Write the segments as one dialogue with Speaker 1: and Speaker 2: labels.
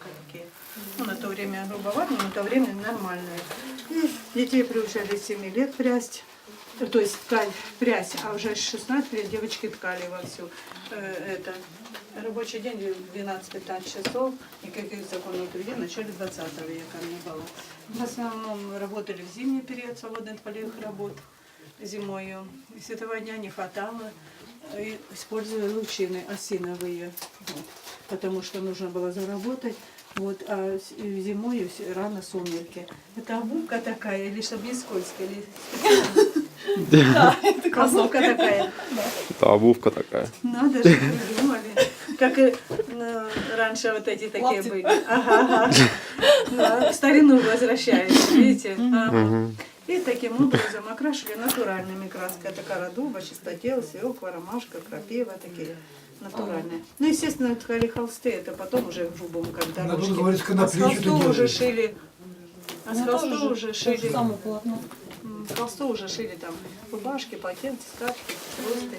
Speaker 1: только такие. Ну, на то время грубовато, но на то время нормальные. И детей приучали с 7 лет прясть. То есть ткань, прясть, а уже с 16 лет девочки ткали вовсю. Это рабочий день 12-15 часов, никаких законов труда в начале 20 века не было. В основном работали в зимний период, свободных полевых работ зимою. И светового дня не хватало, и использовали лучины осиновые, вот, потому что нужно было заработать. Вот, а зимой рано сумерки. Это обувка такая, или чтобы не скользко, или
Speaker 2: Да, это
Speaker 1: обувка такая.
Speaker 3: Это обувка такая.
Speaker 1: Надо же, придумали. Как и раньше вот эти такие
Speaker 2: Лапти.
Speaker 1: были. Ага. Да, в старину возвращается, видите? Ага. И таким образом окрашивали натуральными красками. Это кора дуба, чистотел, свекла, ромашка, крапива, такие натуральные. Ну, естественно, ткали холсты, это потом уже в грубом, когда
Speaker 4: Надо
Speaker 1: ручки.
Speaker 4: говорить,
Speaker 1: А с
Speaker 4: конопли что-то
Speaker 1: холсту уже
Speaker 4: делали.
Speaker 1: шили. А с
Speaker 2: Ну,
Speaker 1: холсту
Speaker 2: тоже
Speaker 1: уже
Speaker 2: то же
Speaker 1: шили.
Speaker 2: самое полотно.
Speaker 1: С холсту уже шили там рубашки, полотенца, скатки, просто.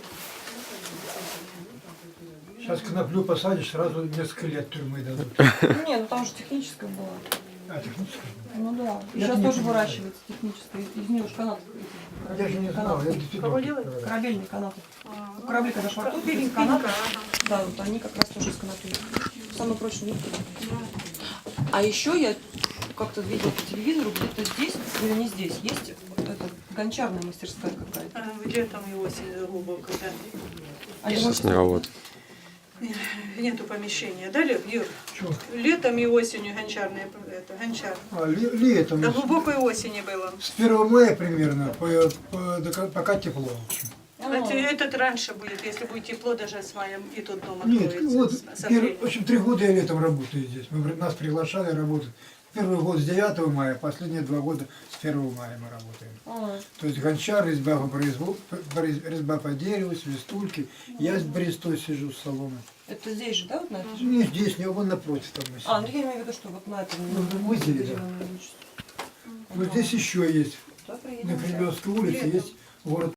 Speaker 4: Сейчас коноплю посадишь, сразу несколько лет тюрьмы дадут.
Speaker 2: Не, ну там же техническое было.
Speaker 4: А, техническая?
Speaker 2: Ну да. И
Speaker 4: Я
Speaker 2: сейчас
Speaker 4: не
Speaker 2: тоже
Speaker 4: понимаю.
Speaker 2: выращивается техническое. Из нее же канат.
Speaker 4: Я же не знал, я действительно...
Speaker 1: Кого делать?
Speaker 2: Корабельные канаты.
Speaker 1: А,
Speaker 2: Корабли, когда швартуют, эти
Speaker 1: Перепинка,
Speaker 2: канаты,
Speaker 1: ага.
Speaker 2: да, вот они как раз тоже из конопли. Самый прочный нитки. А еще я как-то видела по телевизору, где-то здесь, или не здесь, есть это, гончарная мастерская какая-то.
Speaker 1: А где там и осень глубоко, да?
Speaker 2: А я
Speaker 3: Сейчас не работает.
Speaker 1: Нету помещения, да, Юр?
Speaker 4: Чё?
Speaker 1: Летом и осенью гончарные, это, гончар.
Speaker 4: А, летом,
Speaker 1: До глубокой осени было.
Speaker 4: с 1 мая примерно, пока тепло. в общем.
Speaker 1: Этот раньше будет, если будет тепло, даже с маем и тут дом
Speaker 4: Нет,
Speaker 1: откроется.
Speaker 4: вот,
Speaker 1: с апреля.
Speaker 4: в общем, 3 года я летом работаю здесь. Нас приглашали работать. Первый год с 9 мая, последние 2 года с 1 мая мы работаем.
Speaker 2: А,
Speaker 4: То есть гончар, резьба по дереву, свистульки. Я с брестой сижу с соломой.
Speaker 2: это здесь же, да, вот на этой же?
Speaker 4: Не здесь, не вон напротив там. мы
Speaker 2: А, ну
Speaker 4: сидим.
Speaker 2: я имею в виду, что вот на этом.
Speaker 4: в озере, да. Вот здесь еще есть.
Speaker 2: Да, приедем.
Speaker 4: На Кремлевской улице есть город